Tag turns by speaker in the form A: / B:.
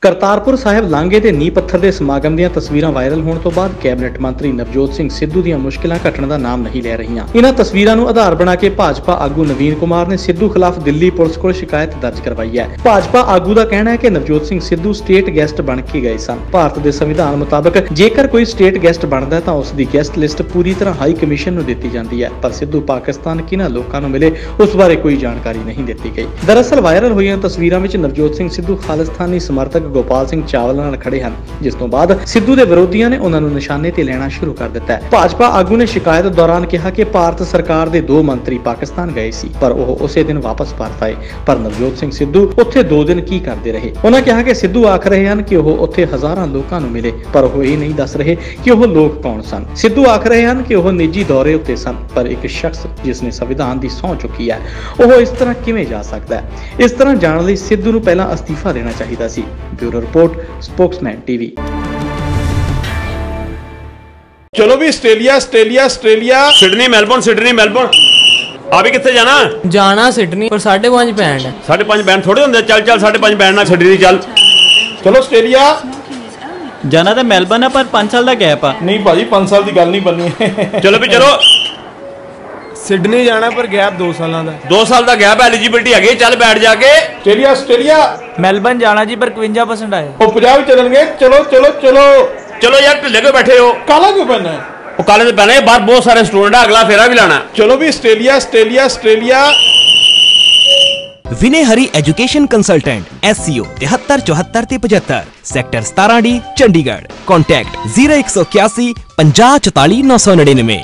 A: करतारपुर साहिब लांघे ਦੇ ਨੀਂਹ ਪੱਥਰ ਦੇ ਸਮਾਗਮ ਦੀਆਂ ਤਸਵੀਰਾਂ ਵਾਇਰਲ ਹੋਣ ਤੋਂ ਬਾਅਦ ਕੈਬਨਿਟ ਮੰਤਰੀ ਨਵਜੋਤ ਸਿੰਘ ਸਿੱਧੂ ਦੀਆਂ ਮੁਸ਼ਕਿਲਾਂ ਘਟਣ ਦਾ ਨਾਮ ਨਹੀਂ ਲੈ ਰਹੀਆਂ। ਇਹਨਾਂ ਤਸਵੀਰਾਂ ਨੂੰ ਆਧਾਰ ਬਣਾ ਕੇ ਭਾਜਪਾ ਆਗੂ ਨਵੀਨ ਕੁਮਾਰ ਨੇ ਸਿੱਧੂ ਖਿਲਾਫ ਦਿੱਲੀ ਪੁਲਿਸ ਕੋਲ ਸ਼ਿਕਾਇਤ ਦਰਜ ਕਰਵਾਈ ਹੈ। ਭਾਜਪਾ ਆਗੂ ਦਾ ਕਹਿਣਾ ਹੈ ਕਿ ਨਵਜੋਤ ਸਿੰਘ ਸਿੱਧੂ ਸਟੇਟ ਗੈਸਟ ਬਣ ਕੇ ਗਏ ਸਨ। ਭਾਰਤ ਦੇ ਸੰਵਿਧਾਨ ਮੁਤਾਬਕ ਜੇਕਰ ਕੋਈ ਸਟੇਟ ਗੈਸਟ ਬਣਦਾ ਹੈ ਤਾਂ ਉਸ ਦੀ ਗੈਸਟ ਲਿਸਟ ਪੂਰੀ ਤਰ੍ਹਾਂ ਹਾਈ ਕਮਿਸ਼ਨ ਨੂੰ ਦਿੱਤੀ ਜਾਂਦੀ ਹੈ, ਪਰ ਸਿੱਧੂ ਪਾਕਿਸਤਾਨ ਕਿਹਨਾਂ ਲੋਕਾਂ ਨੂੰ ਮਿਲੇ ਉਸ ਬਾਰੇ ਕੋਈ ਜਾਣਕਾਰੀ ਨਹੀਂ ਦਿੱਤੀ ਗਈ। ਦਰਅਸਲ ਵਾਇਰਲ ਹੋਈਆਂ ਤਸਵੀਰਾਂ ਵਿੱਚ ਨਵਜੋਤ ਸਿੰਘ ਸਿੱਧੂ ਖਾਲਿਸਤਾਨੀ ਸਮਰਥਕ ਗੋਪਾਲ ਸਿੰਘ ਚਾਵਲਾ ਨਾਲ ਖੜੇ ਹਨ, ਜਿਸ ਤੋਂ ਬਾਅਦ ਸਿੱਧੂ ਦੇ ਵਿਰੋਧੀਆਂ ਨੇ ਉਹਨਾਂ ਨੂੰ ਨਿਸ਼ਾਨੇ ਤੇ ਲੈਣਾ ਸ਼ੁਰੂ ਕਰ ਦਿੱਤਾ ਹੈ। ਭਾਜਪਾ ਆਗੂ ਨੇ ਸ਼ਿਕਾਇਤ ਦੌਰਾਨ ਕਿਹਾ ਕਿ ਭਾਰਤ ਸਰਕਾਰ ਦੇ 2 ਮੰਤਰੀ ਪਾਕਿਸਤਾਨ ਗਏ ਸੀ, ਪਰ ਉਹ ਉਸੇ ਦਿਨ ਵਾਪਸ ਭਾਰਤ ਆਏ, ਪਰ ਨਵਜੋਤ ਸਿੰਘ ਸਿੱਧੂ ਉੱਥੇ 2 ਦਿਨ ਕੀ ਕਰਦੇ ਰਹੇ। ਉਹਨਾਂ ਕਿਹਾ ਕਿ ਸਿੱਧੂ ਆਖ ਰਹੇ ਹਨ ਕਿ ਉਹ ਉੱਥੇ ਹਜ਼ਾਰਾਂ ਲੋਕਾਂ ਨੂੰ ਮਿਲੇ, ਪਰ ਉਹ ਇਹ ਨਹੀਂ ਦੱਸ ਰਹੇ ਕਿ ਉਹ ਲੋਕ ਕੌਣ ਸਨ। ਸਿੱਧੂ ਆਖ ਰਹੇ ਹਨ ਕਿ ਉਹ ਨਿੱਜੀ ਦੌਰੇ ਉੱਤੇ ਸਨ, ਪਰ ਇੱਕ ਸ਼ਖਸ ਜਿਸ ਨੇ ਸੰਵਿਧਾਨ ਦੀ ਸਹੁੰ ਚੁੱਕੀ ਹੈ, ਉਹ ਇਸ ਤਰ੍ਹਾਂ ਕਿਵੇਂ ਜਾ ਸਕਦਾ ਹੈ। ਇਸ ਤਰ੍ਹਾਂ ਜਾਣ ਲਈ ਸਿੱਧੂ ਨੂੰ ਪਹਿਲਾਂ ਅਸਤੀਫਾ ਦੇਣਾ ਚਾਹੀਦਾ ਸੀ। Bureau report, spokesman TV.
B: चलो भी ऑस्ट्रेलिया सिडनी मेलबोर्न आप कितने जाना
C: सिडनी पर 5.5 बैंड है।
B: 5.5 बैंड थोड़े होंगे। चल 5.5 बैंड ना सिडनी चल। चलो ऑस्ट्रेलिया
C: जाना तो मेलबर्न है पर 5 साल का गैप है।
B: नहीं भाजी 5 साल की गल नहीं बननी। चलो भी चलो
D: सिडनी जाना पर गैप 2 साल का।
B: 2 साल का गैप एलिजिबिलिटी है। चल बैठ जाके ऑस्ट्रेलिया
C: मेलबर्न जाना जी पर 51% आए।
B: वो 50 चलेंगे। चलो यार ढिले क्यों बैठे हो? काला क्यों पहना है? वो काले से पहने बाहर बहुत सारे स्टूडेंट है, अगला फेरा भी लाना। चलो भी Australia
E: Vinay Hari education consultant SCO 73 74 ते 75 सेक्टर 17D चंडीगढ़। कॉन्टैक्ट 0181 50 44 999।